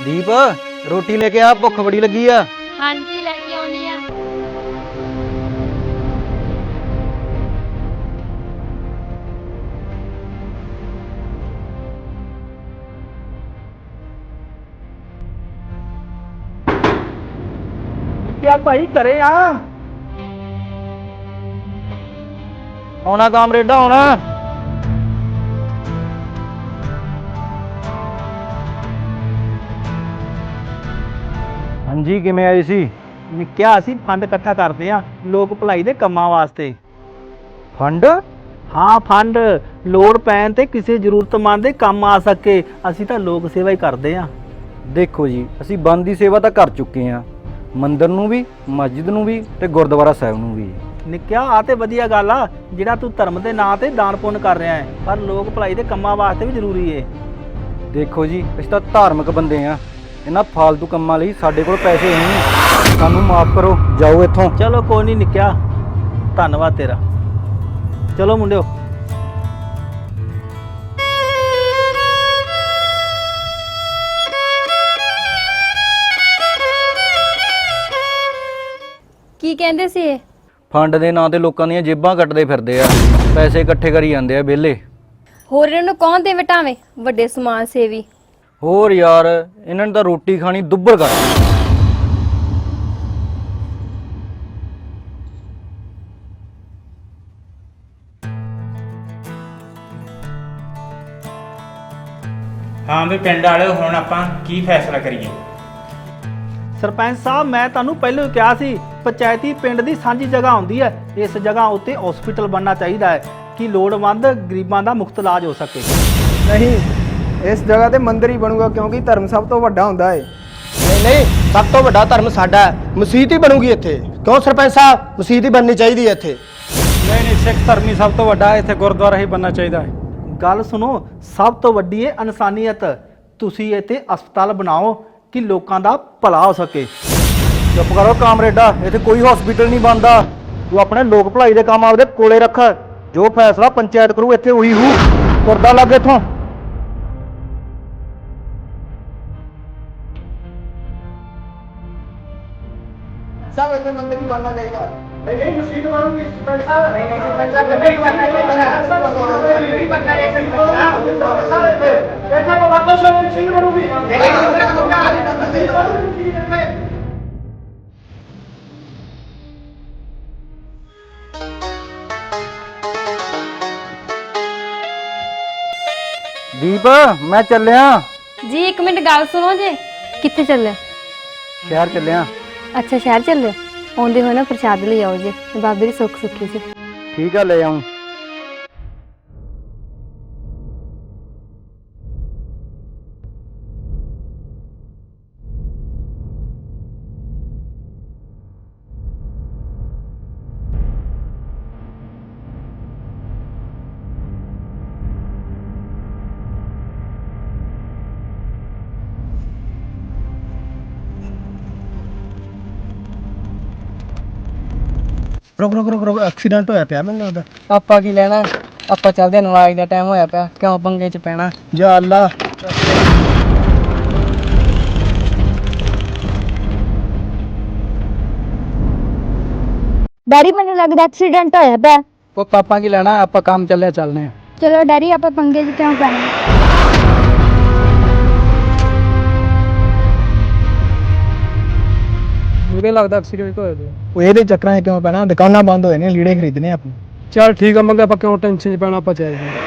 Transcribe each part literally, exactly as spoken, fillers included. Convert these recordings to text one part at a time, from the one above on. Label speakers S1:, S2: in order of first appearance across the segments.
S1: ਦੀਪ ਰੋਟੀ ਲੈ ਕੇ ਆ, ਭੁੱਖ ਬੜੀ ਲੱਗੀ ਆ।
S2: ਹਾਂਜੀ ਲੈ ਕੇ ਆਉਣੀ ਆ।
S3: ਕਿਆ ਭਾਈ ਘਰੇ ਆ?
S1: ਆਉਣਾ ਕਾਮਰੇਡਾ ਆਉਣਾ। ਹਾਂਜੀ ਕਿਵੇਂ ਆਏ ਸੀ?
S3: ਨਿੱਕਿਆ ਅਸੀਂ ਫੰਡ ਇਕੱਠਾ ਕਰਦੇ ਆ ਲੋਕ ਭਲਾਈ ਦੇ ਕੰਮਾਂ ਵਾਸਤੇ।
S1: ਫੰਡ?
S3: ਹਾਂ ਫੰਡ ਲੋੜ ਪੈਣ ਤੇ ਕਿਸੇ ਜ਼ਰੂਰਤਮੰਦ ਦੇ ਕੰਮ ਆ ਸਕੇ। ਅਸੀਂ ਤਾਂ ਲੋਕ ਸੇਵਾ ਹੀ ਕਰਦੇ ਆ।
S1: ਦੇਖੋ ਜੀ ਅਸੀਂ ਬੰਦ ਦੀ ਸੇਵਾ ਤਾਂ ਕਰ ਚੁੱਕੇ ਆ, ਮੰਦਿਰ ਨੂੰ ਵੀ, ਮਸਜਿਦ ਨੂੰ ਵੀ ਤੇ ਗੁਰਦੁਆਰਾ ਸਾਹਿਬ ਨੂੰ ਵੀ।
S3: ਨਿੱਕਿਆ ਆ ਤੇ ਵਧੀਆ ਗੱਲ ਆ ਜਿਹੜਾ ਤੂੰ ਧਰਮ ਦੇ ਨਾਂ ਤੇ ਦਾਨ ਪੁੰਨ ਕਰ ਰਿਹਾ ਹੈ, ਪਰ ਲੋਕ ਭਲਾਈ ਦੇ ਕੰਮਾਂ ਵਾਸਤੇ ਵੀ ਜ਼ਰੂਰੀ ਏ।
S1: ਦੇਖੋ ਜੀ ਅਸੀਂ ਤਾਂ ਧਾਰਮਿਕ ਬੰਦੇ ਆ, ਇਹਨਾਂ ਫਾਲਤੂ ਕੰਮਾਂ ਲਈ ਸਾਡੇ ਕੋਲ ਪੈਸੇ ਹੈ ਨਹੀਂ। ਸਾਨੂੰ ਮਾਫ ਕਰੋ, ਜਾਓ ਇੱਥੋਂ।
S3: ਚਲੋ ਕੋਈ ਨਹੀਂ ਨਿੱਕਿਆ, ਧੰਨਵਾਦ ਤੇਰਾ। ਚਲੋ ਮੁੰਡਿਓ।
S2: ਕੀ ਕਹਿੰਦੇ ਸੀ ਇਹ?
S1: ਫੰਡ ਦੇ ਨਾਂ ਤੇ ਲੋਕਾਂ ਦੀਆਂ ਜੇਬਾਂ ਕੱਟਦੇ ਫਿਰਦੇ ਆ, ਪੈਸੇ ਇਕੱਠੇ ਕਰੀ ਜਾਂਦੇ ਆ ਵਿਹਲੇ।
S2: ਹੋਰ ਇਹਨਾਂ ਨੂੰ ਕੌਣ ਦੇ ਵਟਾਵੇ, ਵੱਡੇ ਸਮਾਜ ਸੇਵੀ।
S1: ਹੋਰ ਯਾਰ ਇਹਨਾਂ ਨੇ ਤਾਂ ਰੋਟੀ ਖਾਣੀ ਦੁੱਬਰ ਕਰ ਦਿੱਤੀ।
S4: ਹਾਂ ਵੀ ਪਿੰਡ ਵਾਲਿਓ ਹੁਣ ਆਪਾਂ ਕੀ ਫੈਸਲਾ ਕਰੀਏ?
S3: ਸਰਪੰਚ ਸਾਹਿਬ ਮੈਂ ਤੁਹਾਨੂੰ ਪਹਿਲਾਂ ਹੀ ਕਿਹਾ ਸੀ ਪੰਚਾਇਤੀ ਪਿੰਡ ਦੀ ਸਾਂਝੀ ਜਗ੍ਹਾ ਹੁੰਦੀ ਹੈ, ਇਸ ਜਗ੍ਹਾ ਉੱਤੇ ਹਸਪੀਟਲ ਬਣਨਾ ਚਾਹੀਦਾ ਹੈ ਕਿ ਲੋੜਵੰਦ ਗਰੀਬਾਂ ਦਾ ਮੁਫਤ ਇਲਾਜ ਹੋ ਸਕੇ।
S5: ਨਹੀਂ, ਇਸ ਜਗ੍ਹਾ ਤੇ ਮੰਦਿਰ ਹੀ ਬਣੂਗਾ ਕਿਉਂਕਿ ਧਰਮ ਸਭ ਤੋਂ ਵੱਡਾ ਹੁੰਦਾ ਹੈ।
S6: ਨਹੀਂ ਨਹੀਂ, ਸਭ ਤੋਂ ਵੱਡਾ ਧਰਮ ਸਾਡਾ ਹੈ। ਮਸੀਤ ਹੀ ਬਣੂਗੀ ਇੱਥੇ। ਕਿਉਂ ਸਰਪੰਚ ਸਾਹਿਬ, ਮਸੀਤ ਹੀ ਬਣਨੀ ਚਾਹੀਦੀ ਹੈ ਇੱਥੇ।
S7: ਨਹੀਂ ਨਹੀਂ, ਸਿੱਖ ਧਰਮ ਹੀ ਸਭ ਤੋਂ ਵੱਡਾ ਹੈ, ਇੱਥੇ ਗੁਰਦੁਆਰਾ ਹੀ ਬਣਨਾ ਚਾਹੀਦਾ ਹੈ।
S3: ਗੱਲ ਸੁਣੋ, ਸਭ ਤੋਂ ਵੱਡੀ ਹੈ ਇਨਸਾਨੀਅਤ। ਤੁਸੀਂ ਇੱਥੇ ਹਸਪਤਾਲ ਬਣਾਓ ਕਿ ਲੋਕਾਂ ਦਾ ਭਲਾ ਹੋ ਸਕੇ।
S1: ਚੁੱਪ ਕਰੋ ਕਾਮਰੇਡਾ, ਇੱਥੇ ਕੋਈ ਹਸਪੀਟਲ ਨਹੀਂ ਬਣਦਾ। ਤੂੰ ਆਪਣੇ ਲੋਕ ਭਲਾਈ ਦੇ ਕੰਮ ਆਪਦੇ ਕੋਲੇ ਰੱਖ, ਜੋ ਫੈਸਲਾ ਪੰਚਾਇਤ ਕਰੂ ਇੱਥੇ ਉਹੀ ਹੂ। ਤੁਰਦਾ ਲੱਗ ਇੱਥੋਂ।
S5: ਸਭ ਇੱਥੇ ਮੰਦਿਰ ਹੀ ਬਣਨਾ ਚਾਹੀਦਾ। ਨਹੀਂ ਨਹੀਂ, ਮਸੀਤ ਬਣੂਗੀ ਸਰਪੰਚ ਸਾਹਿਬ। ਨਹੀਂ ਨਹੀਂ ਸਰਪੰਚ ਸਾਹਿਬ, ਮੰਦਿਰ ਹੀ ਬਣਨਾ ਚਾਹੀਦਾ। ਮੰਦਿਰ ਹੀ ਬਣਨਾ ਚਾਹੀਦਾ ਸਰਪੰਚ ਸਾਹਿਬ। ਇੱਥੇ ਭਗਵਾਨ ਸਿੰਘ ਸਿੰਘ ਬਣੂਗੀ। ਨਹੀਂ ਨਹੀਂ,
S1: ਦੀਪ ਮੈਂ ਚੱਲਿਆ,
S2: ਜੀ ਇੱਕ ਮਿੰਟ ਗੱਲ ਸੁਣੋ ਜੇ। ਕਿੱਥੇ ਚੱਲੇ?
S1: ਸ਼ਹਿਰ ਚੱਲਿਆ।
S2: ਅੱਛਾ ਸ਼ਹਿਰ ਚੱਲੇ, ਆਉਂਦੇ ਹੋਏ ਨਾ ਪ੍ਰਸ਼ਾਦ ਲਈ ਆਓ ਜੇ, ਬਾਬੇ ਦੀ ਸੁੱਖ ਸੁੱਖੀ ਸੀ।
S1: ਠੀਕ ਆ, ਲੈ ਆਉਂ।
S5: ਰੁਕ ਰੁਕ ਰੁਕ ਰੁਕ, ਐਕਸੀਡੈਂਟ ਹੋਇਆ ਪਿਆ ਮੈਨੂੰ ਲੱਗਦਾ।
S6: ਆਪਾਂ ਕੀ ਲੈਣਾ, ਆਪਾਂ ਚੱਲਦੇ ਹਾਂ, ਨਵਾਜ਼ ਦਾ ਟਾਈਮ ਹੋਇਆ ਪਿਆ, ਕਿਉਂ ਪੰਗੇ 'ਚ ਪੈਣਾ।
S5: ਜਾ ਅੱਲਾ।
S8: ਡੈਡੀ ਮੈਨੂੰ ਲੱਗਦਾ ਐਕਸੀਡੈਂਟ ਹੋਇਆ ਪਿਆ।
S6: ਉਹ ਪਾਪਾ ਕੀ ਲੈਣਾ, ਆਪਾਂ ਕੰਮ ਚੱਲਿਆ ਚੱਲਨੇ ਆ।
S8: ਚਲੋ ਡੈਡੀ ਆਪਾਂ ਪੰਗੇ 'ਚ ਕਿਉਂ ਪੈਣਾ।
S6: ਮੈਨੂੰ ਲੱਗਦਾ ਐਕਸੀਡੈਂਟ ਹੋਇਆ ਪਿਆ।
S5: ਉਹ ਇਹਦੇ ਚੱਕਰਾਂ 'ਚ ਕਿਉਂ ਪੈਣਾ, ਦੁਕਾਨਾਂ ਬੰਦ ਹੋਏ ਨੇ, ਲੀੜੇ ਖਰੀਦਣੇ ਆਪਾਂ।
S6: ਚੱਲ ਠੀਕ ਆ ਮੰਗੇ, ਆਪਾਂ ਕਿਉਂ ਟੈਨਸ਼ਨ 'ਚ ਪੈਣਾ, ਆਪਾਂ ਚੱਲਦੇ ਹਾਂ।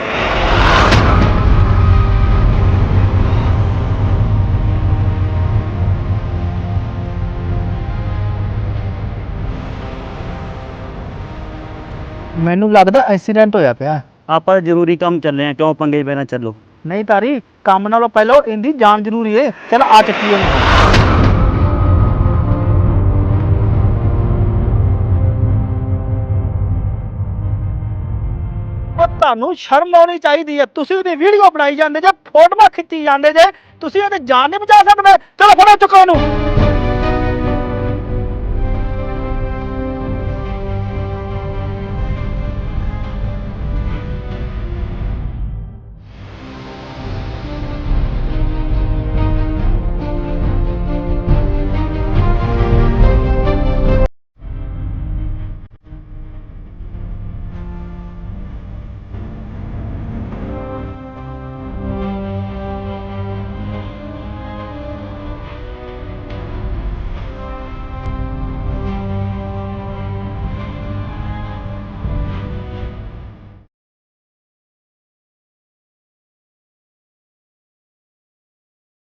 S3: ਮੈਨੂੰ ਲੱਗਦਾ ਐਕਸੀਡੈਂਟ ਹੋਇਆ ਪਿਆ।
S9: ਆਪਾਂ ਜ਼ਰੂਰੀ ਕੰਮ ਚੱਲੇ ਆ, ਕਿਉਂ ਪੰਗੇ ਪੈਣਾ। ਚੱਲੋ।
S3: ਨਹੀਂ ਤਾਰੀ, ਕੰਮ ਨਾਲੋਂ ਪਹਿਲਾਂ ਇਹਦੀ ਜਾਨ ਜ਼ਰੂਰੀ ਏ। ਚਲ ਆ ਚੱਕੀ ਉਹਨੂੰ। ਉਹ ਤੁਹਾਨੂੰ ਸ਼ਰਮ ਆਉਣੀ ਚਾਹੀਦੀ ਹੈ। ਤੁਸੀਂ ਉਹਦੀ ਵੀਡੀਓ ਬਣਾਈ ਜਾਂਦੇ ਜੇ, ਫੋਟੋਆਂ ਖਿੱਚੀ ਜਾਂਦੇ ਜੇ, ਤੁਸੀਂ ਉਹਦੀ ਜਾਨ ਨਹੀਂ ਬਚਾ ਸਕਦੇ। ਚਲੋ ਫੜੋ ਚੁੱਕੋ ਉਹਨੂੰ।